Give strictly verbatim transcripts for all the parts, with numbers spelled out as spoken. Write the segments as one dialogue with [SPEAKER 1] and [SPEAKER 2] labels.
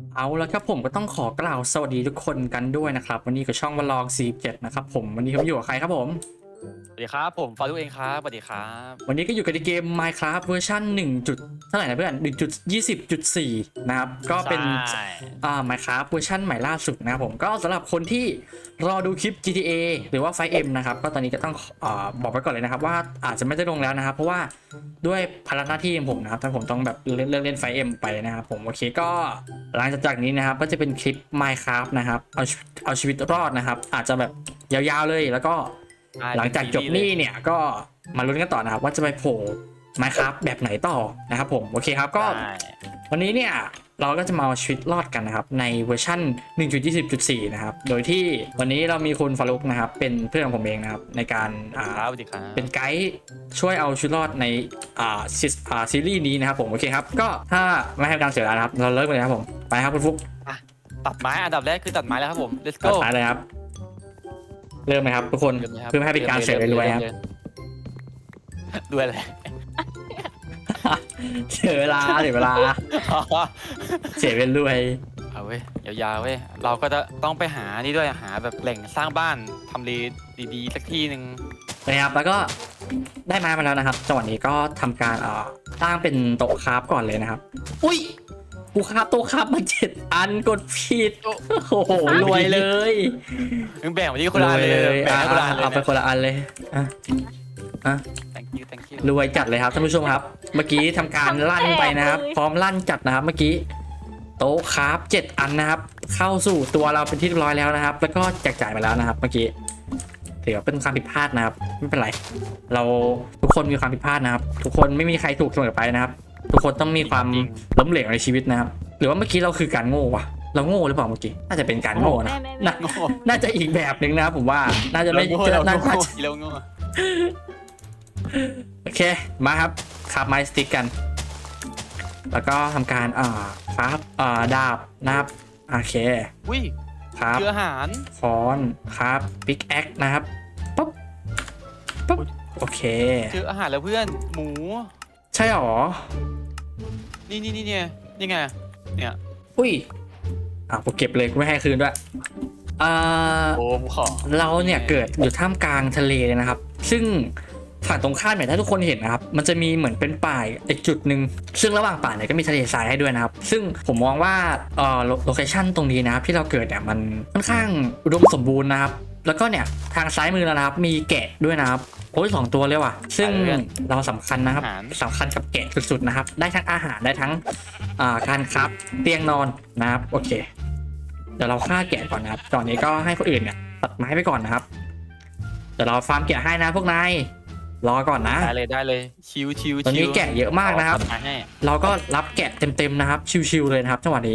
[SPEAKER 1] เอาแล้วครับผมก็ต้องขอกล่าวสวัสดีทุกคนกันด้วยนะครับวันนี้กับช่องวลองสี่เจ็ดนะครับผมวันนี้ผมอยู่กับใครครับผม
[SPEAKER 2] สวัสดีครับผมฟารุเองครับสวัสดีครับ
[SPEAKER 1] วันนี้ก็อยู่กันในเกม Minecraft เวอร์ชันหนึ่งจุดเท่าไหร่นะเพื่อนหนึ่งจุดยี่สิบจุดสี่นะครับก็เป็น
[SPEAKER 2] ใช่
[SPEAKER 1] อ่า Minecraft เวอร์ชันใหม่ล่าสุดนะครับผมก็สำหรับคนที่รอดูคลิป จี ที เอ หรือว่า ไฟว์ เอ็ม นะครับก็ตอนนี้ก็ต้องอ่าบอกไว้ก่อนเลยนะครับว่าอาจจะไม่ได้ลงแล้วนะครับเพราะว่าด้วยภาระหน้าที่ของผมนะครับถ้าผมต้องแบบเล่นเล่น ไฟว์ เอ็ม ไปนะครับผมโอเคก็หลังจากนี้นะครับก็จะเป็นคลิป Minecraft นะครับเอาเอาชีวิตรอดนะครับอาจจะแบบยาวๆเลยแล้วก็หลังจากจบนี่เนี่ยก็มาลุ้นกันต่อนะครับว่าจะไปโผล่ Minecraft แบบไหนต่อนะครับผมโอเคครับก็
[SPEAKER 2] ใช่
[SPEAKER 1] วันนี้เนี่ยเราก็จะมาเอาชีวิตรอดกันนะครับในเวอร์ชัน หนึ่งจุดยี่สิบจุดสี่ นะครับโดยที่วันนี้เรามีคุณฟารุกนะครับเป็นเพื่อนของผมเองนะครับในการอ่า
[SPEAKER 2] ครับสวัสดีครับ
[SPEAKER 1] เป็นไกด์ช่วยเอาชีวิตรอดในอ่าซีอ่าซีรีส์นี้นะครับผมโอเคครับก็ถ้าไม่ให้การเสียเวลานะครับเราเริ่มกันเลยครับผมไปครับคุณฟุก
[SPEAKER 2] ตัดไม้อันดับแรกคือตัดไม้แล้วครับผม let's
[SPEAKER 1] ตัด
[SPEAKER 2] go
[SPEAKER 1] ท้ายเลยครับเริ่มไหมครับทุกคน
[SPEAKER 2] เริ่มเลยครับ
[SPEAKER 1] เพื่อไม่ให้เป็นการเสียเวลาครับ
[SPEAKER 2] รวยเลย
[SPEAKER 1] เสียเวลาเสียเวลาเสียเวลาด้วย
[SPEAKER 2] เอาเว้ยยาวๆเว้ยเราก็จะต้องไปหานี่ด้วยหาแบบแหล่งสร้างบ้านทำเลดีๆสักที่หนึ่ง
[SPEAKER 1] นะครับแล้วก็ได้ไม้มาแล้วนะครับจังหวะนี้ก็ทำการเอ่อสร้างเป็นโต๊ะคราฟก่อนเลยนะครับอุ้ยกูคราฟโต๊ะคราฟมาเจ็ดอันกดผิดโอ้โหรวยเลย
[SPEAKER 2] มึงแบ่งไปที่คนละอันเลยแบ่ง
[SPEAKER 1] อ่ะ
[SPEAKER 2] ให้คนละอันเลย
[SPEAKER 1] เอาไปคนละอันเลยอ่ะอ่ะ
[SPEAKER 2] thank you thank you
[SPEAKER 1] รวยจัดเลยครับท่านผู้ชมครับ เมื่อกี้ทำการลั่นไปนะครับ พร้อมลั่นจัดนะครับ เมื่อกี้โต๊ะคราฟเจ็ดอันนะครับ เข้าสู่ตัวเราเป็นที่เรียบร้อยแล้วนะครับ แล้วก็แจกจ่ายมาแล้วนะครับ เมื่อกี้ถือว่าเป็นความผิดพลาดนะครับไม่เป็นไรเราทุกคนมีความผิดพลาดนะครับ ทุกคนไม่มีใครถูกเสมอไปนะครับ ทุกคนต้องมีความล้มเหลวในชีวิตนะครับ หรือว่าเมื่อกี้เราคือการโง่วะเราโง่หรือเปล่าเมื่อกี้น่าจะเป็นการโง่นะ
[SPEAKER 3] ไม่ไม่ไม่
[SPEAKER 1] น่าน่าจะอีกแบบหนึ่งนะครับผมว่าน่าจะไม่
[SPEAKER 2] เราโง่เรา
[SPEAKER 1] น่า
[SPEAKER 2] โง่
[SPEAKER 1] จะ
[SPEAKER 2] เราโง่
[SPEAKER 1] โอเคมาครับขับไม้สติ๊กกัน แล้วก็ทำการอ่าครับอ่าดาบนะครับโอเค
[SPEAKER 2] อุ้ย
[SPEAKER 1] ครับ
[SPEAKER 2] เจออาหาร
[SPEAKER 1] ค้อนครับปิกแอคนะครับปุ๊บปุ๊บโอเค
[SPEAKER 2] เจออาหารแล้วเพื่อนหมู
[SPEAKER 1] ใช่หรอ
[SPEAKER 2] นี่นี่นี่เนี่ยนี่ไงเนี่ย
[SPEAKER 1] อุ้ยอ่าผมเก็บเลยกูไม่ให้คืนด้วยอ่า
[SPEAKER 2] โอ้ผมขอ
[SPEAKER 1] เราเนี่ยเกิดอยู่ท่ามกลางทะเลเลยนะครับ ซึ่งฝั่งตรงข้ามเนี่ยถ้าทุกคนเห็นนะครับมันจะมีเหมือนเป็นป่าอีกจุดหนึ่งซึ่งระหว่างป่าเนี่ยก็มีทะเลทรายให้ด้วยนะครับ ซึ่งผมมองว่าเอ่อโลเคชั่นตรงนี้นะครับที่เราเกิดเนี่ยมันค่อนข้างอุดมสมบูรณ์นะครับแล้วก็เนี่ยทางซ้ายมือเรานะครับมีแกะด้วยนะครับโอ้ยสองตัวเลยว่ะซึ่งเราสำคัญนะครับสำคัญกับแกะสุดๆนะครับได้ทั้งอาหารได้ทั้งอ่าการครับเตียงนอนนะครับโอเคเดี๋ยวเราฆ่าแกะก่อนนะครับตอนนี้ก็ให้คนอื่นเนี่ยตัดไม้ไปก่อนนะครับเดี๋ยวเราฟาร์มแกะให้นะพวกนายรอก่อนนะ
[SPEAKER 2] ได้เลยได้เลยชิวชิว
[SPEAKER 1] ตอนนี้แกะเยอะมากนะครับ
[SPEAKER 2] ขอตัดไม้ให้
[SPEAKER 1] เราก็รับแกะเต็มๆนะครับ ชิวๆเลยนะครับจังหวะนี้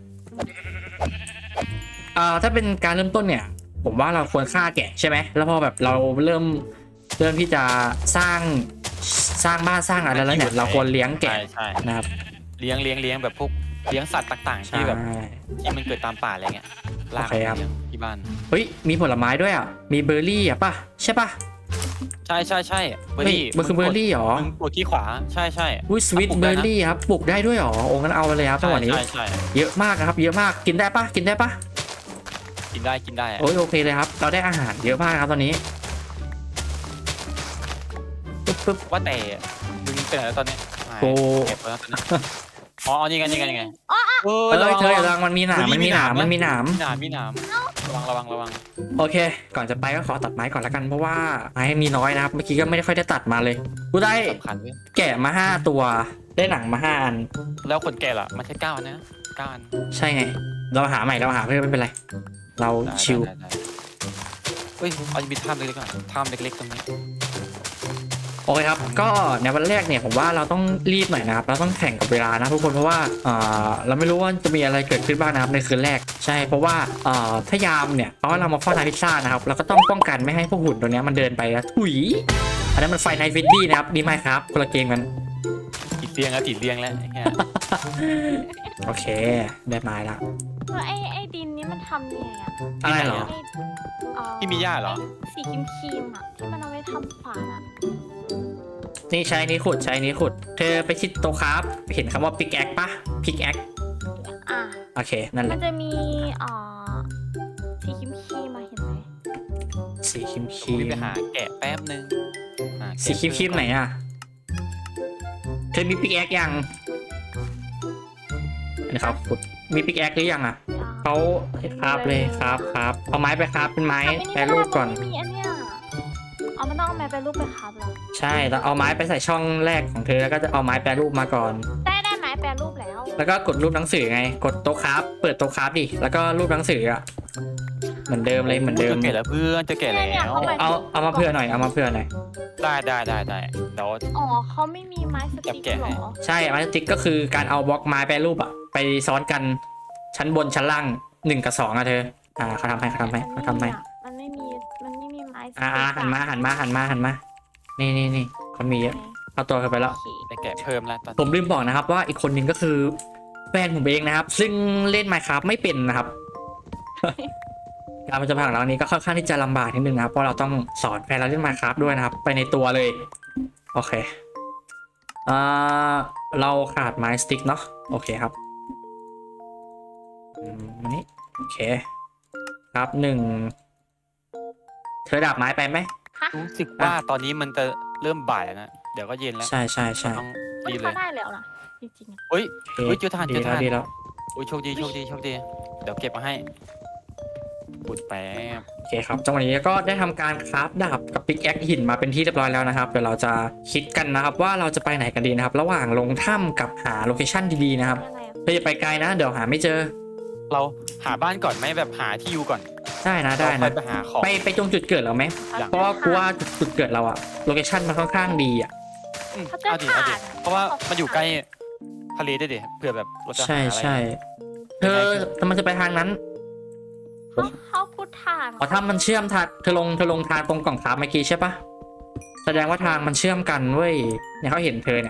[SPEAKER 1] อ่าถ้าเป็นการเริ่มต้นเนี่ย ผมว่าเราควรฆ่าแกะใช่ไหมแล้วพอแบบเราเริ่มเริ่มที่จะสร้างสร้างบ้านสร้างอะไรแล้วเนี่ยเราควรเลี้ยงแกะ
[SPEAKER 2] ใช่ใช่
[SPEAKER 1] นะครับ
[SPEAKER 2] เลี้ยงเลี้ยงเลี้ยงแบบพวกเลี้ยงสัตว์ต่างๆ
[SPEAKER 1] ใช่
[SPEAKER 2] ที่แบบที่มันเกิดตามป่าอะไรเงี้ยลาก
[SPEAKER 1] โอเคครับ
[SPEAKER 2] เลี้ยงที่บ้าน
[SPEAKER 1] เฮ้ยมีผลไม้ด้วยอ่ะมีเบอร์รี่อ่ะป่ะใช่ป่ะ
[SPEAKER 2] ใช่ใช่ใช่เบอร์
[SPEAKER 1] เฮ้ย
[SPEAKER 2] รี่
[SPEAKER 1] มันคือเบอร์รี่เหรอ
[SPEAKER 2] มึงกดที่ขวาใช่ใช่
[SPEAKER 1] อุ้ยสวิต
[SPEAKER 2] ปลูก
[SPEAKER 1] เบ
[SPEAKER 2] ได้
[SPEAKER 1] อ
[SPEAKER 2] นะ
[SPEAKER 1] ร์รี่ครับปลูกได้ด้วยเหรอโอ้งั้นเอาไปเลยครับจังหวะนี้
[SPEAKER 2] ใช่ใช่ใช่
[SPEAKER 1] เยอะมากนะครับ เยอะมากกินได้ป่ะกินได้ป่ะ
[SPEAKER 2] กินได้กินได้อะ
[SPEAKER 1] โอ้ยโอเคเลยครับ เราได้อาหารเยอะมากครับตอนนี้ปึ๊บปึ๊บ
[SPEAKER 2] ว่าแต่มึงเป็นอะไรตอนนี้
[SPEAKER 1] โอ้
[SPEAKER 2] เก็บไว้แล้วตอนนี้อ๋อเอานี่ไงนี่ไงนี่ไงเอ
[SPEAKER 1] เอ
[SPEAKER 2] อ
[SPEAKER 1] อ
[SPEAKER 2] ระวัง
[SPEAKER 1] เธอ
[SPEAKER 2] ระ
[SPEAKER 1] ระ
[SPEAKER 2] วั
[SPEAKER 1] วั
[SPEAKER 2] ง
[SPEAKER 1] งมันมีหนามมันมีหนามมันมีหนาม
[SPEAKER 2] มีหนามมีหนามระวังระวังระวัง
[SPEAKER 1] โอเค ก่อนจะไปก็ขอตัดไม้ก่อนละกันเพราะว่าไม้มีน้อยนะครับ เมื่อกี้ก็ไม่ได้ค่อยได้ตัดมาเลย กูได้
[SPEAKER 2] สำคัญเว้ย
[SPEAKER 1] แกะมาห้าตัว ได้หนังมาห้าอัน
[SPEAKER 2] แล้วคนแก่ล่ะมันใช่เก้าอันนะเก้าอัน
[SPEAKER 1] ใช่ไง เราหาใหม่เราหาเพื่อนไม่เป็นไร เรา
[SPEAKER 2] ได้
[SPEAKER 1] ชิล
[SPEAKER 2] ได้ได้ได้เฮ้ยเอาจะมีถ้ำเล็กๆก่อนถ้ำเล็กๆตรงนี้
[SPEAKER 1] โอเคครับ ก็ในวันแรกเนี่ยผมว่าเราต้องรีบหน่อยนะครับ เราต้องแข่งกับเวลานะทุกคนเพราะว่าอ่าเราไม่รู้ว่าจะมีอะไรเกิดขึ้นบ้างนะครับในคืนแรก ใช่ เพราะว่าอ่าถ้ายามเนี่ยเพราะว่าเรามาเฝ้าทานพิซซ่านะครับ เราก็ต้องป้องกันไม่ให้พวกหุ่นตัวเนี้ยมันเดินไปแล้วถุย อันนั้นมันไฟไนท์ฟิดดี้นะครับนี่ไม่ครับคนละเกมกัน
[SPEAKER 2] ติดเรียงแล้วติดเรียงแล้วไอ้เหี้ย
[SPEAKER 1] โอเค ได้ไม้ละ
[SPEAKER 3] แล้วไอ้ไอ้ดินนี้มันทำยังไงอะ
[SPEAKER 1] อะไรเหรอ
[SPEAKER 3] ไอ้เอ่อ
[SPEAKER 2] ที่มีหญ้าเหรอ
[SPEAKER 3] สีครีมครีมๆอะที่มันเอาไว้ทำขวานอะ
[SPEAKER 1] นี่ใช้นี้ขุดใช้นี้ขุด เธอไปชิดโต๊ะครับ เห็นคำว่าพิกแอคปะพิกแอค
[SPEAKER 3] อ่ะ
[SPEAKER 1] โอเคนั่นแห
[SPEAKER 3] มั
[SPEAKER 1] ละ
[SPEAKER 3] นจะมีเอ่อสีครีมครีมมาเห็นไหม
[SPEAKER 1] สีครีมค
[SPEAKER 2] ผม
[SPEAKER 1] รี
[SPEAKER 2] ไป
[SPEAKER 1] ม
[SPEAKER 2] หาแกะแป๊บนึงหาแกะ
[SPEAKER 1] สีครีมครีมไหนอ่ะเธอมีปิกแอคยังอันนี้ครับขุดมีปิกแอคหรือยังอ่ะเขาให้คราบเลยครับครับเอาไม้ไปคราบเป็นไม้
[SPEAKER 3] ทำอันนี้
[SPEAKER 1] แปร
[SPEAKER 3] ไม่ได้
[SPEAKER 1] รูปก่อน
[SPEAKER 3] มันไม่มีอันเนี้ยเอามันต้องเอาแม่ไปรูปไปครับเหรอ
[SPEAKER 1] ใช่แล้วเอาไม้ไปใส่ช่องแรกของเธอแล้วก็จะเอาไม้แปรรูปมาก่อน
[SPEAKER 3] ได้ได้ไหมแปรรูปแล้ว
[SPEAKER 1] แล้วก็กดรูปหนังสือไง กดโต๊ะคราฟเปิดโต๊ะคราฟดิแล้วก็รูปหนังสืออ่ะเหมือนเดิมเลยเหมือนเดิม
[SPEAKER 2] จะแกะแล้วเพื่อนจะแกะแล้ว
[SPEAKER 1] เอาเอามาเผื่อหน่อยเอามาเผื่อหน่อย
[SPEAKER 2] ได้ได้ได้ได้เดี๋ยว
[SPEAKER 3] อ๋อเขาไม่มีไม้สติ๊ก
[SPEAKER 2] แกะ
[SPEAKER 3] เหร
[SPEAKER 2] ให้
[SPEAKER 3] อ
[SPEAKER 1] ใช่ไม้สติ๊กก็คือการเอาบล็อกไม้แปรรูปอ่ะไปซ้อนกันชั้นบนชั้นล่างหนึ่งกับสองอ่ะเธออ่าเขาทำให้เขาทำให้เขาทำให้
[SPEAKER 3] มันไม่มีมันไม่มีไม้สติ๊ก
[SPEAKER 1] อ่าอ่าหันมาหันมาหันมาหันมานี่นี่นี่เขามีเยอะเอาตัวเขาไปแล้ว
[SPEAKER 3] โอเค
[SPEAKER 2] ได้แกะเพิ่มแล้วตอน
[SPEAKER 1] ผมลืมบอกนะครับว่าอีกคนหนึ่งก็คือแฟนผมเองนะครับ ซึ่งเล่น Minecraft ไม่เป็นนะครับ การมันจะผ่านหลังนี้ก็ค่อนข้างที่จะลำบากนิดนึงนะครับเพราะเราต้องสอนแฟนเราเล่น Minecraft ด้วยนะครับ ไปในตัวเลยโอเคอ่าเราขาดไม้สติ๊กเนาะโอเคครับอืมอันนี้โอเคครับหนึ่งเธอดาบไม้ไปไหม
[SPEAKER 3] ฮะ
[SPEAKER 2] รู้สึกว่าตอนนี้มันจะเริ่มบ่ายแล้วนะเดี๋ยวก็เย็นแล้ว
[SPEAKER 1] ใช่ใช่ใช่
[SPEAKER 2] ต้อง
[SPEAKER 3] มัน
[SPEAKER 2] รีบเล
[SPEAKER 3] เขา
[SPEAKER 2] ย
[SPEAKER 3] ได้แล้วนะจริงๆอะ
[SPEAKER 2] เฮ้ย
[SPEAKER 1] โอเค
[SPEAKER 2] เฮ้ยเจอทาน
[SPEAKER 1] ดี
[SPEAKER 2] เจอ
[SPEAKER 1] แล้ว
[SPEAKER 2] ทาน
[SPEAKER 1] ดีแล้ว
[SPEAKER 2] โอ้ยโชคดีโชคดีโชคดีเดี๋ยวเก็บมาให้ปุดแป๊บ
[SPEAKER 1] โอเคครับจังหวะนี้ก็ได้ทำการคราฟดาบกับปิกแอคหินมาเป็นที่เรียบร้อยแล้วนะครับเดี๋ยวเราจะคิดกันนะครับว่าเราจะไปไหนกันดีนะครับ ระหว่างลงถ้ำกับหาโลเคชั่นดีๆนะครับ
[SPEAKER 3] ยังไงอะ
[SPEAKER 1] เธออย่าไปไกลนะ เดี๋ยวหาไม่เจอ
[SPEAKER 2] เราหาบ้านก่อนไหมแบบหาที่อยู่ก่อน
[SPEAKER 1] ได้นะได้
[SPEAKER 2] เรา
[SPEAKER 1] นะ
[SPEAKER 2] ค่อยไปหาของ
[SPEAKER 1] ไปไปตรงจุดเกิดเราไหม
[SPEAKER 2] อยาก
[SPEAKER 1] เพราะว่ากูว่าจุดเกิดเราอะโลเคชั่นมันค่อนข้างดีอะ
[SPEAKER 2] อืม
[SPEAKER 3] เขาจะ
[SPEAKER 2] เอาดิเอาดิ
[SPEAKER 3] ถ่าน
[SPEAKER 2] เพราะว่ามันอยู่ใกล้ทะเลด้วยดิเผื่อแบบเราจะหา
[SPEAKER 1] ใช่
[SPEAKER 2] อะไร
[SPEAKER 1] ใช่เธอแต่มันจะไปทางนั้น
[SPEAKER 3] เขาเขาพูดถ่าน
[SPEAKER 1] อ๋อถ้ามันเชื่อมทางเธอลงเธอลงทางตรงกล่องคราฟเมื่อกี้ใช่ปะแสดงว่าทางมันเชื่อมกันเว้ยเนี่ยเขาเห็นเธอเนี่ย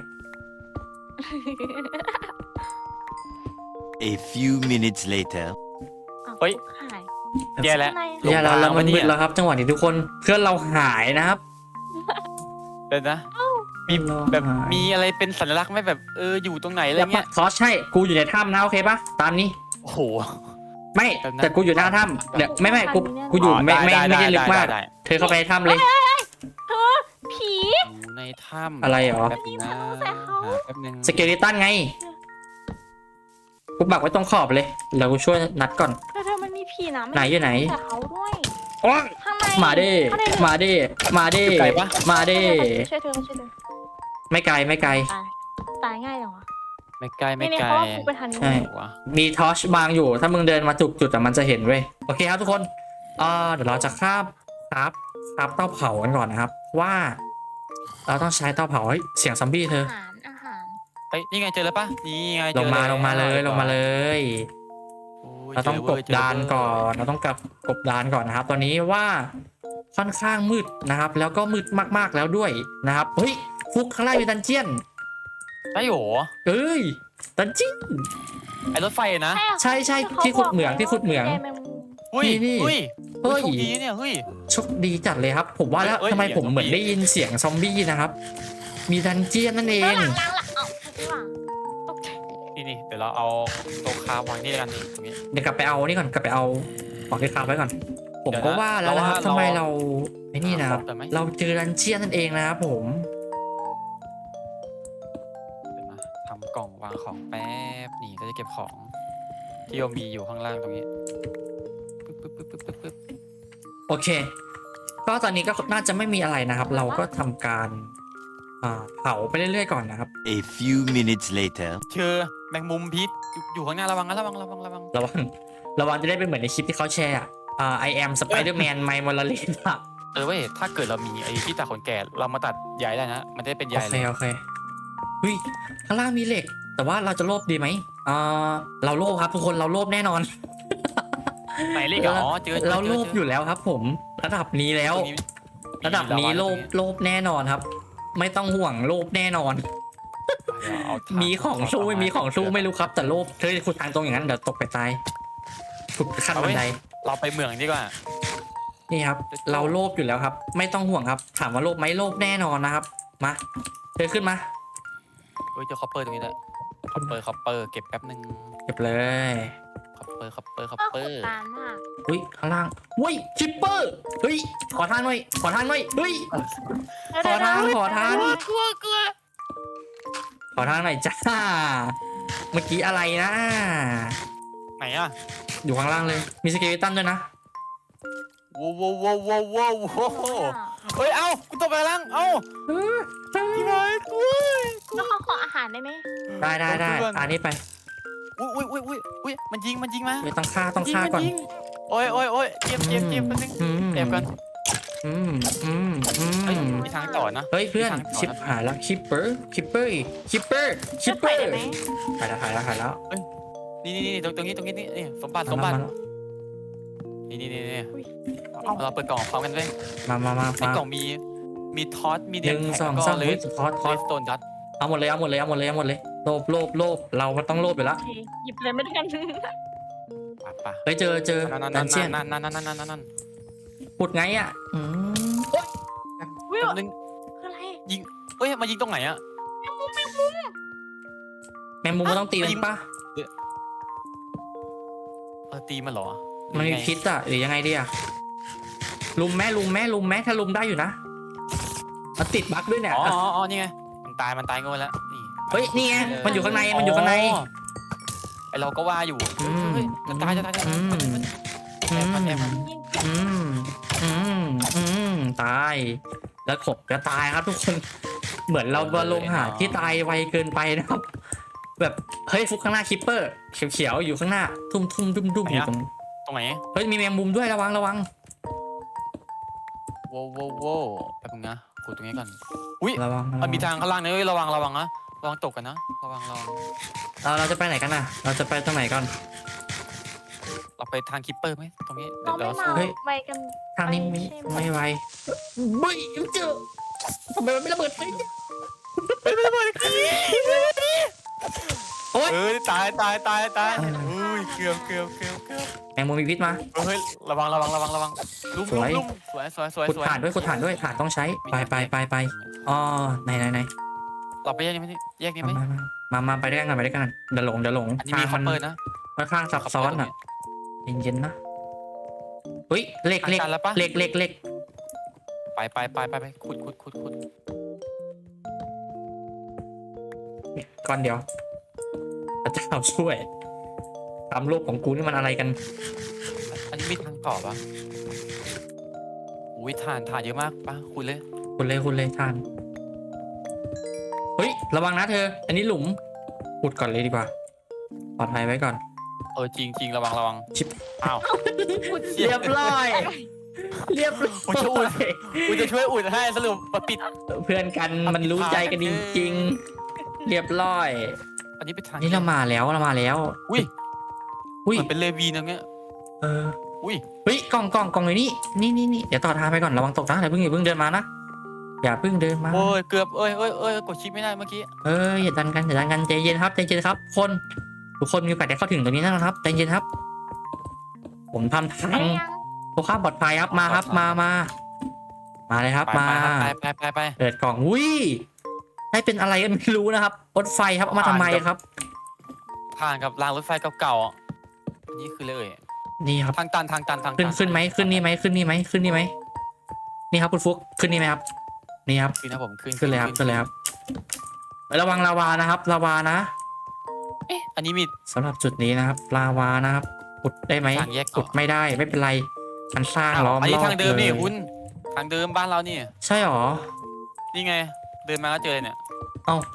[SPEAKER 4] A few minutes later.
[SPEAKER 2] เฮ้ย
[SPEAKER 3] หาย
[SPEAKER 2] แย่แล้ว
[SPEAKER 3] อะไร
[SPEAKER 2] ลง
[SPEAKER 1] อย่าเราเรามัน
[SPEAKER 2] ทาง
[SPEAKER 1] มืด
[SPEAKER 2] วะเนี่ย
[SPEAKER 1] แล้วครับ จังหวะนี้ทุกคนเพื่อนเราหายนะครับ
[SPEAKER 2] เดี๋ยวนะ มีแบบมีอะไรเป็นสัญลักษณ์ไหมแบบเอออยู่ตรงไหนอะไร
[SPEAKER 1] แล้ว
[SPEAKER 2] เงี้ย
[SPEAKER 1] ทอสใช่กูอยู่ในถ้ำนะโอเคปะตามนี้
[SPEAKER 2] โอ้โห
[SPEAKER 1] ไม่
[SPEAKER 2] แบบนั้น
[SPEAKER 1] แต่กูอยู่หน้าถ้ำเดี๋ยวไม่ไม่กูกูอยู่ไม่ไม่ไม่ได้ลึกมาก
[SPEAKER 2] ได้
[SPEAKER 1] เธอเข้าไปในถ้ำเลย
[SPEAKER 3] เธอผี
[SPEAKER 2] อยู่ในถ้ำ
[SPEAKER 1] อะไรหรอ
[SPEAKER 2] แป๊บนึงนะ
[SPEAKER 3] ใส่เขา
[SPEAKER 2] หาแป๊บนึง
[SPEAKER 1] สเกลิตันไงกูปักไว้ตรงขอบเลยแล้วกูช่วยนัดก่อน
[SPEAKER 3] เธอเธอมันมีผีนะ
[SPEAKER 1] ไหนอยู่ไหน
[SPEAKER 3] แต่เขาด้วย
[SPEAKER 1] โอ๊ย
[SPEAKER 3] ข้างใน
[SPEAKER 1] มาเด้
[SPEAKER 3] ข้งใน
[SPEAKER 1] มาเด้มาเด้มาเด้
[SPEAKER 3] ช่วยเธอช่วยเธอ
[SPEAKER 1] ไม่ไกลไม่ไกล
[SPEAKER 3] ตายตายง่ายจังวะ
[SPEAKER 2] ไม่ไกลไม่
[SPEAKER 3] นี่
[SPEAKER 2] ไกล
[SPEAKER 3] เพราะว่ากูไปทางนี้
[SPEAKER 1] ใช่
[SPEAKER 2] วะ
[SPEAKER 1] มีทอชบางอยู่ถ้ามึงเดินมาจุกจุดแต่มันจะเห็นเว้ยโอเคครับทุกคนอ่าเดี๋ยวเราจะคาบครับคาบเตาเผากันก่อนนะครับ ว่า เราต้องใช้เตาเผาเฮ้ยเสียงซอมบี้เธอ
[SPEAKER 3] อาหารอาหาร
[SPEAKER 2] เฮ้ยนี่ไงเจอแล้วปะนี่ไง
[SPEAKER 1] ล
[SPEAKER 2] เจ
[SPEAKER 1] ง
[SPEAKER 2] อ
[SPEAKER 1] มา
[SPEAKER 2] แว
[SPEAKER 1] ลงมาเลยลงมาเลย
[SPEAKER 2] โอ้ย
[SPEAKER 1] เราต้อง
[SPEAKER 2] จ
[SPEAKER 1] ก
[SPEAKER 2] ว้
[SPEAKER 1] บ
[SPEAKER 2] ยเจอ
[SPEAKER 1] ดาน
[SPEAKER 2] เว้ย
[SPEAKER 1] ก่อนเราต้องกับกบดานก่อนนะครับ ตอนนี้ว่าค่อนข้างมืดนะครับ แล้วก็มืดมากๆแล้วด้วยนะครับเฮ้ยฟุกข้างล่างมีดันเจียน
[SPEAKER 2] ได้โหรอ
[SPEAKER 1] เอ้ยดันเจียน
[SPEAKER 2] ไอรถไฟนะ
[SPEAKER 3] เหรอ
[SPEAKER 1] ใช่ใช่ที่ขุดเหมืองที่ขุดเหมือง
[SPEAKER 3] แกแมงมุม
[SPEAKER 2] เฮ้ย
[SPEAKER 1] นี่
[SPEAKER 2] เฮ้ย
[SPEAKER 1] เฮ้ย
[SPEAKER 2] โชคดีเนี่ยเฮ้ย
[SPEAKER 1] โชคดีจัดเลยครับ ผมว่าแล้ว
[SPEAKER 2] เอ้ย
[SPEAKER 1] ทำไม
[SPEAKER 2] เสียง
[SPEAKER 1] ผมเหมือน
[SPEAKER 2] ซอมบี้
[SPEAKER 1] ได้ยินเสียงซอมบี้นะครับ มีดันเจียนนั่นเอ
[SPEAKER 3] เอ้ย
[SPEAKER 1] ง
[SPEAKER 3] หลังหลังหลังเอ้าข้างหลังตกใจ
[SPEAKER 2] นี่นี่เดี๋ยวเราเอาโต๊ะคาวางนี่กันนี่ตรงนี้
[SPEAKER 1] เดี๋ยวกลับไปเอานี่ก่อนกลับไปเอาของที่ค้างไว้ก่อน ผม
[SPEAKER 2] เดี๋ยวนะ
[SPEAKER 1] ก็ว่าแล้วนะครับ
[SPEAKER 2] เราว่า
[SPEAKER 1] ทำไม
[SPEAKER 2] เรา
[SPEAKER 1] เราไอ้นี่นะครับ
[SPEAKER 2] หาของได้ไหม
[SPEAKER 1] เราเจอดันเจียนนั่นเองนะครับผม
[SPEAKER 2] เดี๋ยวนะทำกล่องวางของแป๊บนี่ก็จะเก็บของ ที่เรามีอยู่ข้างล่างตรงนี้ปึ๊บปึ๊บปึ๊บปึ๊บปึ๊บ
[SPEAKER 1] โอเค ก็ตอนนี้ก็น่าจะไม่มีอะไรนะครับ เราก็ทำการอ่าเผาไปเรื่อยๆก่อนนะครับ
[SPEAKER 4] A few minutes later.
[SPEAKER 2] เจอแมงมุมพิษอยู่อยู่ข้างหน้าระวังนะระวังระวังระวัง
[SPEAKER 1] ระวังระวังจะได้เป็นเหมือนในคลิปที่เขาแชร์อะอ่า I am Spider-Man ไมมอลเลนอะ
[SPEAKER 2] เออเว้ยถ้าเกิดเรามีไอ้ที่ตัดขนแก่เรามาตัดใยได้นะ มันจะได้เป็นใย
[SPEAKER 1] โอเค
[SPEAKER 2] เลย
[SPEAKER 1] โอเคเฮ้ยข้างล่างมีเหล็ก แต่ว่าเราจะโลภดีไหมอ่าเราโลภครับทุกคนเราโลภแน่นอน
[SPEAKER 2] ไหนเลขเหรออ๋อเจอเจอ
[SPEAKER 1] เราโลภ
[SPEAKER 2] เจ
[SPEAKER 1] อยู่แล้วครับ ผมระดับนี้แล้ว
[SPEAKER 2] ตรงนี้
[SPEAKER 1] ระดับนี้โลภโลภแน่นอนครับ ไม่ต้องห่วงโลภแน่นอน
[SPEAKER 2] เดี๋ยวเอาถ่าน
[SPEAKER 1] มีของสู้ไม่มีของสู้ไม่รู้ครับ แต่โลภเธอขุดทางตรงอย่างนั้นเดี๋ยวตกไปตายขุดขั้นบันได
[SPEAKER 2] เราไปเมืองดีกว่า
[SPEAKER 1] นี่ครับ เราโลภอยู่แล้วครับ ไม่ต้องห่วงครับ ถามว่าโลภไหมโลภแน่นอนนะครับ มาเธอขึ้นมา
[SPEAKER 2] เฮ้ยเจอคอปเปอร์ตรงนี้ด้วยคอปเปอร์คอปเปอร์เก็บแป๊บนึง
[SPEAKER 1] เก็บเลย
[SPEAKER 2] เปอร์คัปเปอร์คัป
[SPEAKER 3] ก็
[SPEAKER 2] เปอ
[SPEAKER 3] ขุด
[SPEAKER 2] ร์
[SPEAKER 3] นานมาก
[SPEAKER 1] เฮ้ยข้างล่างเฮ้ยคิปเปอร์เฮ้ยขอทางหน่อยขอทางหน่อยเฮ้ย ขอทางขอทาง
[SPEAKER 2] กลัวกลัว
[SPEAKER 1] ขอทางหน่อยจ้าเมื่อกี้อะไรนะ
[SPEAKER 2] ไหนอ่ะ
[SPEAKER 1] อยู่ข้างล่างเลยมีสเกเลตันด้วยนะ
[SPEAKER 2] ว้าวว้าวว้าวว้าวว้าวเฮ้ยเอ้ากูตกไปแล้วเอ้าพี่บอยกลัว
[SPEAKER 3] แล้วเขาขออาหารได้ไหม
[SPEAKER 1] ได้ได้ได้อันนี้ไป
[SPEAKER 2] อุ้ยอุ้ยอุ้ยอุ้ยอุ้ยมันยิงมันยิงมา
[SPEAKER 1] ไม่ต้องฆ่าต้องฆ่าก่อน
[SPEAKER 2] ยิงยิงโอ้ยโอ้ยโอ้ยเจ็บเจ็บเจ็บแป๊บนึง
[SPEAKER 1] อืม
[SPEAKER 2] แอบกัน
[SPEAKER 1] อืมอืมอื
[SPEAKER 2] เฮ้ย
[SPEAKER 1] ม
[SPEAKER 2] มีทางต่อนะ
[SPEAKER 1] เฮ้ยเพื่อน
[SPEAKER 2] มีทางต่อ
[SPEAKER 1] ชิป
[SPEAKER 2] นะ
[SPEAKER 1] หายแล้วคิปเปอร์คิปเปอร์คิปเปอร์คิปเปอ
[SPEAKER 3] จะ
[SPEAKER 1] ร์
[SPEAKER 3] ไปได้ไหม
[SPEAKER 1] หายแล้วหายแล้วหายแล้ว
[SPEAKER 2] นี่นี่นี่ตรงตรงนี้ตรงนี้นี่นี่สมบัติสมบัตินี่นี่นี่นี่เราเปิดกล่องพร้อมกันด้วย
[SPEAKER 1] มามามา
[SPEAKER 2] ใน
[SPEAKER 1] มาก
[SPEAKER 2] ล่องมีมีทอสมี
[SPEAKER 1] ห
[SPEAKER 2] เดีย
[SPEAKER 1] นึ่ง
[SPEAKER 2] แท็ก
[SPEAKER 1] สอง
[SPEAKER 2] ก็
[SPEAKER 1] สาม
[SPEAKER 2] เล
[SPEAKER 1] เฮ้ย
[SPEAKER 2] ส
[SPEAKER 1] ทอดทอด
[SPEAKER 2] สโตนดัต
[SPEAKER 1] เอาหมดเลยเอาหมดเลยเอาหมดเลยเอาหมดเลยโลภโลภโลภเรามันต้องโลภอยู่แล้ว
[SPEAKER 3] โอเคหยิบเลยไม่ได้กัน
[SPEAKER 2] ป่ะป่ะ
[SPEAKER 1] เฮ้ยเจอเจอ
[SPEAKER 2] นั่น
[SPEAKER 1] ดั
[SPEAKER 2] นั่
[SPEAKER 1] น
[SPEAKER 2] น
[SPEAKER 1] เจียน
[SPEAKER 2] นั่นนั่นนั่นนั่นนั่นนั่น
[SPEAKER 1] ปุดไงอ่ะอืม
[SPEAKER 3] วิว
[SPEAKER 2] นึง
[SPEAKER 3] คืออะไร
[SPEAKER 2] เฮ้ยมายิงตรงไหนอะ
[SPEAKER 1] แมงมุมมันต้องตีมันปะ
[SPEAKER 2] เออตีมันเหรอ
[SPEAKER 1] มันมีพิษอ่ะหรือยังไงดีอ่ะลุมแม่ลุมแม่ลุมแม่ถ้าลุมได้อยู่นะมันติดบั๊กด้วยเนี่ย
[SPEAKER 2] อ๋ออ๋ออ๋อนี่ไงมันตายมันตายโง่แล้วนี่
[SPEAKER 1] เฮ้ยนี่ไงมันอยู่ข้างในมันอยู่ข้างใน
[SPEAKER 2] ไอเราก็ว่าอยู่
[SPEAKER 1] อืม
[SPEAKER 2] เฮ้ยจะตายจะตายจะตาย
[SPEAKER 1] อืม
[SPEAKER 2] แอบมันแอบมัน
[SPEAKER 3] ยิง
[SPEAKER 1] อืมอืมอืมตายแล้วขบก็ตายครับทุกคนเหมือนเราบอลลงหาที่ตายไวเกินไปนะครับ แบบเฮ้ยฟุกข้างหน้าคิปเปอร์เขียวๆอยู่ข้างหน้า ทุ่มทุ่มดุ้มดุ้มอยู่ตรง
[SPEAKER 2] ตรงไหน
[SPEAKER 1] เฮ้ยมีแมงมุมด้วยระวังระวัง
[SPEAKER 2] โว้โว้โว้แป๊บนึงนะขุดตรงนี้ก่อนอุ้ย
[SPEAKER 1] ระวัง
[SPEAKER 2] มันมีทางข้างล่างนะเฮ้ยระวังระวังนะระวังตกกันนะระวังระวัง
[SPEAKER 1] เราเราจะไปไหนกันน่ะ เราจะไปตรงไหนก่อน
[SPEAKER 2] เราไปทางคิปเปอร์ไหมตรงนี้
[SPEAKER 3] เรา
[SPEAKER 2] เดี๋ยว
[SPEAKER 3] ไม่
[SPEAKER 2] เรา
[SPEAKER 3] มา
[SPEAKER 1] เฮ้ย
[SPEAKER 3] ไปกัน
[SPEAKER 1] ทางนี้ไม่ไม่ไวเฮ้ยเจอทำไมมันไม่ระเบิดเลยโอ๊ย
[SPEAKER 2] เอ้ยตายตายตายตายอุ้ยเกือบเกือบเกือบเกือบ
[SPEAKER 1] แมงมุมมีพิษมา
[SPEAKER 2] เฮ้ยระวังระวังระวังระวังลุ่ม
[SPEAKER 1] สวย
[SPEAKER 2] ลุ่มสวยสวยสวย
[SPEAKER 1] ขุด
[SPEAKER 2] สวย
[SPEAKER 1] ถ่านด้วยขุดถ่านด้วยถ่านต้องใช้ไปไปไปไปอ๋อไหนไหนไหน
[SPEAKER 2] เราไปแยกนี้ไหมแยกนี้ไหม
[SPEAKER 1] มามามามาไปด้วยกันไปด้วยกันเดี๋ยวหลงเดี๋ยวหลง
[SPEAKER 2] อันนี้มีคัพเปอร์นะ
[SPEAKER 1] ค่อนข้างซับซ้อนอ่ะเย็นๆนะเฮ้ยเหล็กเหล็ก
[SPEAKER 2] อาจารย์แล้วปะ
[SPEAKER 1] เหล็กเหล็กเหล็ก
[SPEAKER 2] ไปไปไปไปไปขุดขุดขุดขุด
[SPEAKER 1] ก่อนเดี๋ยวพระเจ้าช่วยตามโลกของกูนี่มันอะไรกัน
[SPEAKER 2] อันนี้มีทางต่อปะอุ้ยถ่านถ่านเยอะมากปะคุยเลย
[SPEAKER 1] คุณเลยคุณเลยทานเฮ้ยระวังนะเธอ อันนี้หลุมขุดก่อนเลยดีกว่าปลอดภัยไว้ก่อน
[SPEAKER 2] เออจริงจริงระวังระวัง
[SPEAKER 1] ชิบ
[SPEAKER 2] อ้าว
[SPEAKER 1] เรียบร้อย เรียบร้
[SPEAKER 2] โอ้ยจะอุ
[SPEAKER 1] อ
[SPEAKER 2] ด
[SPEAKER 1] ย
[SPEAKER 2] กูจะช่วยอุดให้สรุปมาปิด
[SPEAKER 1] เพื่อนกันมันรู้ใจกันจริงๆ เรียบร้อย
[SPEAKER 2] อันนี้เป็นทาง
[SPEAKER 1] นี่เรามาแล้วเรามาแล้ว
[SPEAKER 2] อุ้ย
[SPEAKER 1] อุ้ย
[SPEAKER 2] เหมือนเป็นเลวีนตรงเนี้ย
[SPEAKER 1] เออ
[SPEAKER 2] อุ้ย
[SPEAKER 1] เฮ้ยกล่องกล่องกล่องอยู่นี่นี่นี่นี่เดี๋ยวต่อทางไปก่อนระวังตกนะอย่าเพิ่งอย่าเพิ่งเดินมานะอย่าเพิ่งเดินมา
[SPEAKER 2] โอ้ยเกือบเอ้ยเอ้ยเอ้ยกดชิปไม่ได้เมื่อกี้
[SPEAKER 1] เอ้ยอย่าดันกันอย่าดันกันใจเย็นครับใจเย็นครับ คนทุกคนมีโอกาสได้เข้าถึงตรงนี้นะครับใจเย็นครับ ผมทำทาง
[SPEAKER 3] ได้ยัง
[SPEAKER 1] เพื่อความปลอดภัยครับมาครับมามามาเลยครับ
[SPEAKER 2] ไป
[SPEAKER 1] มา
[SPEAKER 2] ไปไปไปไป
[SPEAKER 1] เปิดกล่องอุ้ยให้เป็นอะไรกันไม่รู้นะครับรถไฟครับเอามาทำไมครับ
[SPEAKER 2] ผ่านกับรางรถไฟเก่าๆอ่ะอันนี้คือเลย
[SPEAKER 1] นี่ครับ
[SPEAKER 2] ทางตันทางตันทางตั
[SPEAKER 1] ขึ้นขึ้นไหมขึ้นนี่ไหมขึ้นนี่ไหมขึ้นนี่ไหมนี่ครับคุณฟุกขึ้นนี่ไหมครับนี่ครับ
[SPEAKER 2] ขึ้นนะผมขึ้น
[SPEAKER 1] ขึ้นเลยครับขึ้นเลยครับระวังลาวานะครับลาวานะ
[SPEAKER 2] เอ๊ะอันนี้มี
[SPEAKER 1] สำหรับจุดนี้นะครับลาวานะครับขุดได้ไหม
[SPEAKER 2] ทางแยกต่อ
[SPEAKER 1] ขุดไม่ได้ไม่เป็นไรมันสร้างล้อม
[SPEAKER 2] อัน
[SPEAKER 1] ร
[SPEAKER 2] นี้
[SPEAKER 1] อบ
[SPEAKER 2] ทางเดิมนี่
[SPEAKER 1] เลย
[SPEAKER 2] คุณทางเดิมบ้านเรานี่
[SPEAKER 1] ใช่หรอ
[SPEAKER 2] นี่ไง เดินมาก็เจอเลยเนี่ย
[SPEAKER 1] เอ้า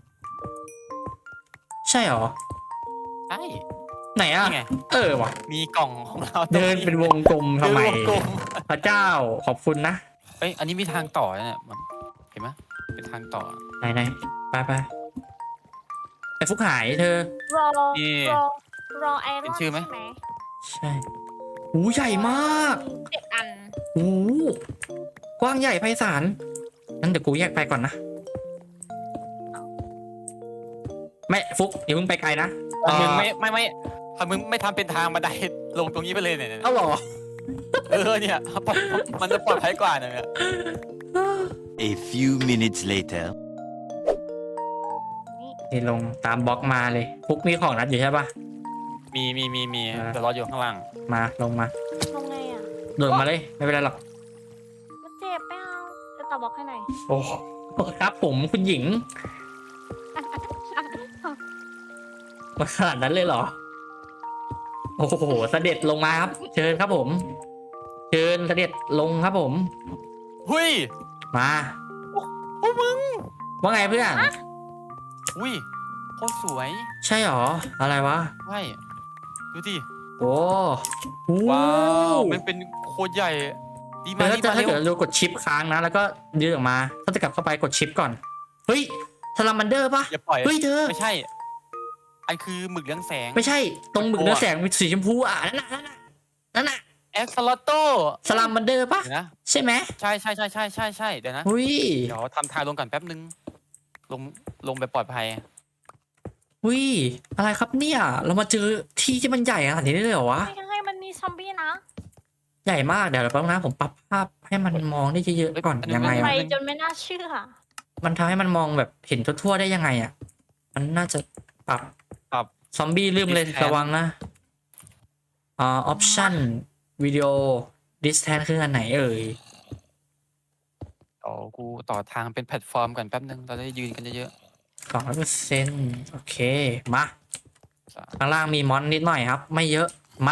[SPEAKER 1] ใช่หรอ
[SPEAKER 2] ใช่
[SPEAKER 1] ไหนอ่ะ
[SPEAKER 2] นี่ไง
[SPEAKER 1] เออว่ะ
[SPEAKER 2] มีกล่องของเราตรง
[SPEAKER 1] เดินเป็นวงกลมทำไม
[SPEAKER 2] เดินวงกลม
[SPEAKER 1] พระเจ้าขอบคุณนะ
[SPEAKER 2] เอ้ยอันนี้มีทางต่อเนี่ยมันเห็นไหมเป็นทางต่อ
[SPEAKER 1] ไหนไหนไปไปไอ้ฟุกหายเธอ
[SPEAKER 3] รอ
[SPEAKER 2] นี่
[SPEAKER 3] รอรอไอร
[SPEAKER 2] เป็
[SPEAKER 3] อน
[SPEAKER 2] นชื่อไหม
[SPEAKER 3] ใช่ไหม
[SPEAKER 1] ใช่หูใหญ่มาก
[SPEAKER 3] มีเจ็ดอัน
[SPEAKER 1] หูกว้างใหญ่ไพศาลงั้นเดี๋ยวกูแยกไปก่อนนะไม่ฟุกอย่าเพิ่งไปไกลนะ
[SPEAKER 2] ถ้ามึง
[SPEAKER 1] เอ่อ
[SPEAKER 2] ไม่ไม่ไม่ถ้ามึงไม่ทำเป็นทางบันไดลงตรงนี้ไปเลยเนี่ยเนี่ย
[SPEAKER 1] เอ้าเหรอ
[SPEAKER 2] เออเนี่ยมันจะปลอดภัยกว่าเนี่ย
[SPEAKER 4] A few minutes later.
[SPEAKER 1] นี่ลงตามบล็อกมาเลยฟุกมีของนัดอยู่ใช่ปะ
[SPEAKER 2] มีมีมีมี
[SPEAKER 1] อ่า
[SPEAKER 2] เดี๋ยวรออยู่ข้างล่าง
[SPEAKER 1] มาลงมา
[SPEAKER 3] ลงไงอ่ะ
[SPEAKER 1] โดดมาเลยไม่เป็นไรหรอก
[SPEAKER 3] มันเจ็บไม่เอาจะตอบบอกให้หน่อย
[SPEAKER 1] โอ้ครับผมคุณหญิงมาขนาดนั้นเลยเหรอ โอ้โหเสด็จลงมาครับ เชิญครับผม เชิญเสด็จลงครับผม
[SPEAKER 2] หุ้ย
[SPEAKER 1] มา
[SPEAKER 2] โอ้มึง
[SPEAKER 1] ว่าไงเพื่อน
[SPEAKER 2] อุ้ยโคตรสวย
[SPEAKER 1] ใช่หรอ อะไรวะ
[SPEAKER 2] ใช่ดูดิ
[SPEAKER 1] โอ้โห
[SPEAKER 2] ว้าวมันเป็นโคตรใหญ่ดีมา
[SPEAKER 1] แล้ว
[SPEAKER 2] ดี
[SPEAKER 1] จะ
[SPEAKER 2] มา
[SPEAKER 1] ถ้า
[SPEAKER 2] เร็ว
[SPEAKER 1] เกิดเรากดชิปค้างนะ แล้วก็ยืดออกมา ถ้าจะกลับเข้าไปกดชิปก่อน เฮ้ยซาลามันเดอร์ปะ
[SPEAKER 2] อย่าปล่อย
[SPEAKER 1] เฮ้ยเธอ
[SPEAKER 2] ไม่ใช่ อันคือหมึกเลี้ยงแสง
[SPEAKER 1] ไม่ใช่ ตรงหมึกเนื้อแสงมีสีชมพูอ่ะ นั่นน่ะ นั่นน่ะ นั่นน่ะ
[SPEAKER 2] เอ็กซ์ลอตโต้
[SPEAKER 1] ซาลามันเดอร์ปะ
[SPEAKER 2] เดี๋ยวนะ
[SPEAKER 1] ใช่ไหม
[SPEAKER 2] ใช่ใช่ใช่ใช่ใช่ใช่เดี๋ยวนะ
[SPEAKER 1] อุ้ย
[SPEAKER 2] เดี๋ยวทำทางลงก่อนแป๊บนึง ลงลงไปปลอดภัย
[SPEAKER 1] อุ้ย อะไรครับเนี่ย เรามาเจอที่ที่มันใหญ่ขนาดนี้ได้เลยเหรอวะ
[SPEAKER 3] ไม่ให้มันมีซอมบี้นะ
[SPEAKER 1] ใหญ่มาก เดี๋ยวแป๊บนะผมปรับภาพให้มันมองได้เยอะๆก่อน
[SPEAKER 2] เฮ้ย
[SPEAKER 1] ยังไง
[SPEAKER 3] ไป
[SPEAKER 1] อะ
[SPEAKER 3] จนไม่น่าเชื่อ
[SPEAKER 1] มันทำให้มันมองแบบเห็นทั่วๆได้ยังไงอ่ะ มันน่าจะปรับ
[SPEAKER 2] ปรับ
[SPEAKER 1] ซอมบี้ลืมเลย
[SPEAKER 2] Distance
[SPEAKER 1] ระวังนะอ่าออปชั่นวิดีโอ distance คืออันไหนเอ่ย
[SPEAKER 2] เดี๋ยวกูต่อทางเป็นแพลตฟอร์มก่อนแป๊บนึง เราจะได้ยืนกันเยอะ
[SPEAKER 1] สองร้อยเปอร์เซ็นต์โอเค มา
[SPEAKER 2] ๆสาม
[SPEAKER 1] ข้างล่างมีมอนนิดหน่อยครับ ไม่เยอะ มา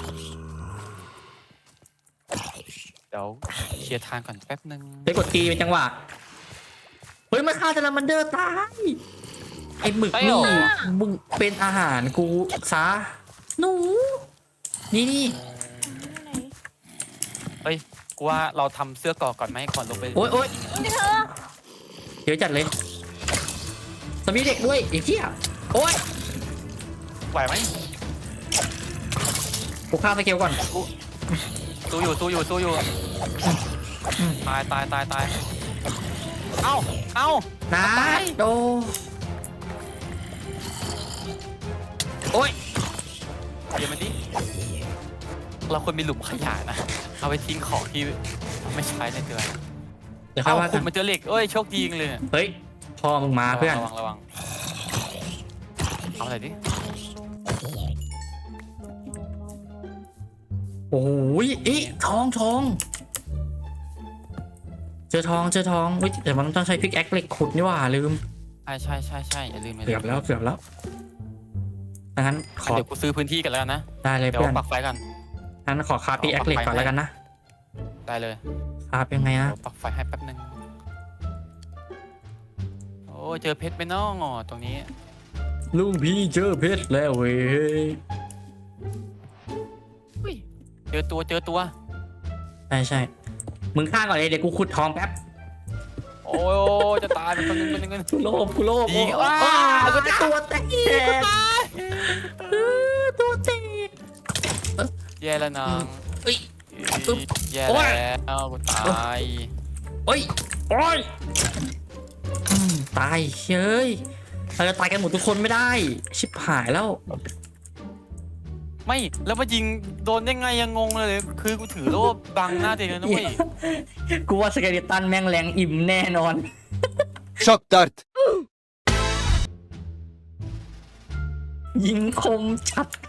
[SPEAKER 2] เดี๋ยวเคลียร์ทางก่อนแป๊บนึง
[SPEAKER 1] ไปกดตีเป็นจังหวะ เฮ้ยมันฆ่าซาลามันเดอร์ตาย ไอ้หมึกนี่มึงเป็นอาหารกูซะหนู นี่นี่
[SPEAKER 2] เฮ้ย กูว่าเราทำเสื้อเกราะก่อนไหมก่อนลงไป
[SPEAKER 1] โอ๊ยโอ๊ย
[SPEAKER 3] นี่เธอ
[SPEAKER 1] เดี๋ยวจัดเลยสมีเด็กด้วยไอ้เหี้ยโอ๊ย
[SPEAKER 2] ไหวไหม
[SPEAKER 1] กูฆ่าสเกลก่อน
[SPEAKER 2] สู้อยู่สู้อยู่สู้อยู่ ตายตายตายตาย เอ้า เอ้า
[SPEAKER 1] นะ
[SPEAKER 2] ตาย
[SPEAKER 1] โดโอ๊ย
[SPEAKER 2] เดี๋ยวมันดิเราควรมีหลุมขยะนะ เอาไปทิ้งของที่ไม่ใช้ในเดือน
[SPEAKER 1] เดี๋ยวค่อ
[SPEAKER 2] เอ้าย
[SPEAKER 1] ว่า
[SPEAKER 2] คุ
[SPEAKER 1] กั
[SPEAKER 2] ณ
[SPEAKER 1] น
[SPEAKER 2] มันเจอเหล็ก เอ้ย โชคดีจังเลยเนี่ย
[SPEAKER 1] เฮ้ยพ่อมึงมาเพื่อน
[SPEAKER 2] ระวังระวังเอาอะไรดิ
[SPEAKER 1] โอ้ยเอ๊ะทองทอง เจอทองเจอทองเฮ้ยแต่มันต้องใช้พิกแอคเหล็กขุดนี่หว่าลืม
[SPEAKER 2] ใช่ใช่ใช่ใช่อย่าลืมอย่าลื
[SPEAKER 1] เกือบ
[SPEAKER 2] ม
[SPEAKER 1] แล้วเกือบแล้วดังนั้นขอ
[SPEAKER 2] เดี๋ยวกูซื้อพื้นที่กันแล้วกันนะ
[SPEAKER 1] ได้เลย
[SPEAKER 2] เดี๋ยว
[SPEAKER 1] เพื่อน
[SPEAKER 2] ปักไฟกัน
[SPEAKER 1] งั้นขอคาพิกแอคเหล็กก่อนแล้วกันนะ
[SPEAKER 2] ได้เลย
[SPEAKER 1] คาบยังไง
[SPEAKER 2] เดี๋
[SPEAKER 1] อะ
[SPEAKER 2] ยวปักไฟให้แป๊บนึง โอ้ยเจอเพชรไหมน้องอ๋อตรงนี้
[SPEAKER 1] ลุงพี่เจอเพชรแล้วเว้ย
[SPEAKER 2] อุ้ยเจอตัวเจอตัว
[SPEAKER 1] ใช่ใช่มึงฆ่าก่อนเลยเดี๋ยวกูขุดทองแป๊บ
[SPEAKER 2] โอ้ยจะตายเป็นคนนึงเป็นคนนึง
[SPEAKER 1] กูโลภกูโลภ
[SPEAKER 2] ยิง
[SPEAKER 1] โอ้
[SPEAKER 2] ว้า
[SPEAKER 1] กูจะตัวแตกเออตัวแตก
[SPEAKER 2] แย่แล้วน้อง
[SPEAKER 1] เอ้ย
[SPEAKER 2] อุ๊ยแย่
[SPEAKER 1] โอ้ย
[SPEAKER 2] แล้วกูตาย
[SPEAKER 1] โอ้ยโอ้ยอืมตายเฮ้ยเราจะตายกันหมดทุกคนไม่ได้ ชิบหายแล้ว
[SPEAKER 2] ไม่แล้วมายิงโดนได้ไงยังงงเลย คือกูถือโล่บังหน้าตัวเองเลยนะเว้ย
[SPEAKER 1] กูว่าสเกเลตันแม่งแรงอิ่มแน่นอน
[SPEAKER 4] Shock dart.
[SPEAKER 1] ยิงคมชัด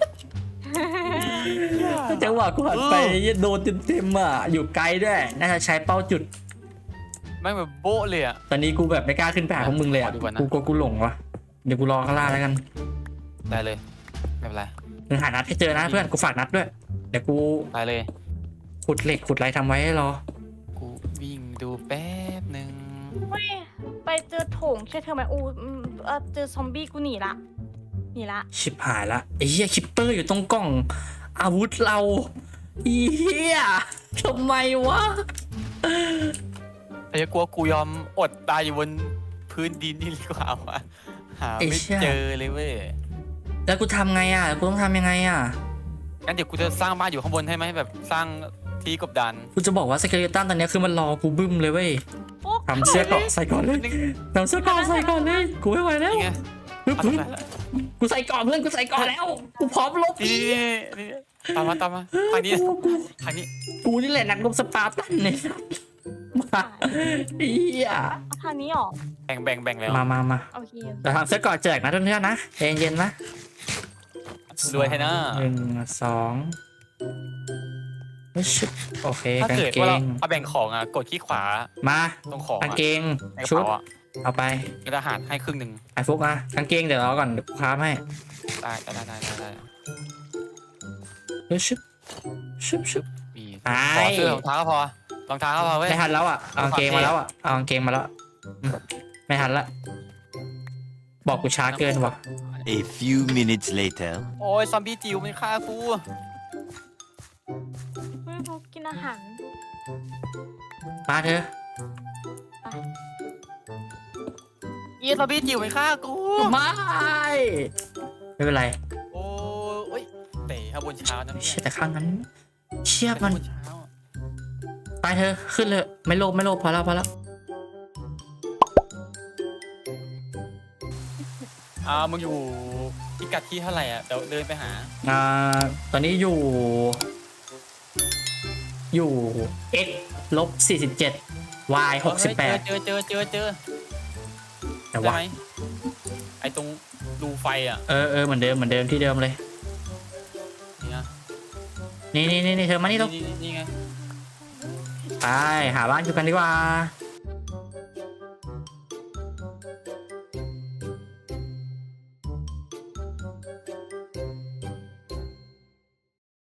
[SPEAKER 1] จังหวะกูหันไปโดนเต็มๆอ่ะอยู่ไกลด้วยน่าจะใช้เป้าจุด
[SPEAKER 2] แม่งแบบโบ๊ะเลยอ่ะ
[SPEAKER 1] ตอนนี้กูแบบไม่กล้าขึ้นไปหาพวกมึงเลยอ่ะ
[SPEAKER 2] ขอดูก่อนนะ
[SPEAKER 1] กูกลัวกูหลงวะเดี๋ยวกูรอข้างล่างแล้วกัน
[SPEAKER 2] ได้เลยไม่เป็นไร
[SPEAKER 1] มึงหานัดให้เจอนะเพื่อนกูฝากนัดด้วยเดี๋ยวกู
[SPEAKER 2] ได้เลย
[SPEAKER 1] ขุดเหล็กขุดอะไรทำไว้ให้รอ
[SPEAKER 2] กูวิ่งดูแป๊บหนึ่ง
[SPEAKER 3] เฮ้ยไปเจอโถงใช่เธอไหมอูอืมเออเจอซอมบี้กูหนีละหนีละ
[SPEAKER 1] ชิบหายละไอ้เหี้ยคิปเปอร์อยู่ตรงกล่อง อาวุธเราอีเหี้ยทำไมวะ
[SPEAKER 2] ไอ้กลัวกูยอมอดตายอยู่บนพื้นดินนี่ดีกว่าวะหาไม่เจอเลยเว้ย
[SPEAKER 1] แล้วกูทำไงอ่ะกูต้องทำยังไงอ่ะ
[SPEAKER 2] งั้นเดี๋ยวกูจะสร้างบ้านอยู่ข้างบนให้ไหมแบบสร้างที่กบดาน
[SPEAKER 1] กูจะบอกว่าสเกเลตันตอนนี้คือมันรอกูบึ้มเลยเว้ย
[SPEAKER 3] โอ้
[SPEAKER 1] ทำเสื้อเกราะใส่ก่อนเลยทำเสื้อเกราะใส่ก่อนเลยกูไม่ไหวแล้ว
[SPEAKER 2] นี่ไง
[SPEAKER 1] ปึ๊บ
[SPEAKER 2] เอา
[SPEAKER 1] ปึ๊บ
[SPEAKER 2] ตรงไหนล่ะ
[SPEAKER 1] กูใส่ก่อนเพื่อนกูใส่ก่อนแล้วกูพร้อมลบ
[SPEAKER 2] นี่นี่นี่ตามมาตามมาทางนี้
[SPEAKER 1] กูกู
[SPEAKER 2] ทางนี้
[SPEAKER 1] กูนี่แหละนักรบสปาร์ตันเนี่ยมาเฮีย
[SPEAKER 3] เอาทางนี้หรอ
[SPEAKER 2] แบ่งแบ่งแบ่งแล้ว
[SPEAKER 1] มามามา
[SPEAKER 3] โอเค
[SPEAKER 1] เดี๋ยวทำเสื้อก่อนแจกนะเพื่อนๆนะใจเย็นๆนะ
[SPEAKER 2] รวยให้นะ
[SPEAKER 1] หนึ่งสองเฮ้ยชิบโอเค
[SPEAKER 2] ถ้าก
[SPEAKER 1] าง
[SPEAKER 2] เกิด
[SPEAKER 1] เก
[SPEAKER 2] ว่าเรา
[SPEAKER 1] ง
[SPEAKER 2] เอาแบ่งของอ่ะกดขี้ขวา
[SPEAKER 1] มา
[SPEAKER 2] ตรงของ
[SPEAKER 1] กาง
[SPEAKER 2] อ่ะ
[SPEAKER 1] เกง
[SPEAKER 2] ในกระ
[SPEAKER 1] ชุด
[SPEAKER 2] เป๋าอ่ะ
[SPEAKER 1] เอาไป
[SPEAKER 2] กระดาษให้ครึ่งหนึ่ง
[SPEAKER 1] ไอ้ฟุกอะกางเกงเดี๋ยวเราก่อนเดี๋ยวกูค้าให้
[SPEAKER 2] ได้ได้ได้ได้ได้
[SPEAKER 1] เฮ้ยชิบชิบชิบ
[SPEAKER 2] มี
[SPEAKER 1] ไป
[SPEAKER 2] ขอเสื้อรองเท้าก็พอรองเท้าก็พอเว้ย
[SPEAKER 1] ไม่ทันแล้วอ่ะเอากางเกงมาแล้วอ่ะเอากางเกงมาแล้วอืมไม่ทันละบอกกูช้าเกินวะ
[SPEAKER 4] A few minutes later.
[SPEAKER 2] โอ้ยซอมบี้จิ๋วมันฆ่ากู
[SPEAKER 3] ไม่รู้กินอาหาร
[SPEAKER 1] มาเธอ
[SPEAKER 2] เอียซอมบี้จิ๋วมันฆ่ากู
[SPEAKER 1] ไม่ไม่เป็นไร
[SPEAKER 2] โอ้ยเตะข้างบนเช้านะ
[SPEAKER 1] เชี่ยแต่ข้างนั้น เชี่ย
[SPEAKER 2] มั
[SPEAKER 1] มัน น
[SPEAKER 2] เช้า
[SPEAKER 1] ไปเธอขึ้นเลยไม่โลภไม่โลภพอแล้วพอแล้ว
[SPEAKER 2] อ่ามึงอยู่พิกัดที่เท่าไหร่อ่ะเดี๋ยวเดินไปหา
[SPEAKER 1] อ่าตอนนี้อยู่ อยู่ x ลบสี่สิบเจ็ด y หกสิบแปด
[SPEAKER 2] เจอเจอเจอเจอ
[SPEAKER 1] แต่
[SPEAKER 2] ได้
[SPEAKER 1] ว่า
[SPEAKER 2] ไหมไอตรงรูไฟอ่ะ
[SPEAKER 1] เออเออเหมือนเดิมเหมือนเดิมที่เดิมเลย
[SPEAKER 2] นี่นะ
[SPEAKER 1] นี่นี่นี่เธอมานี่ต้อง
[SPEAKER 2] นี่นี่ไง
[SPEAKER 1] ไปหาบ้านอยู่กันดีกว่า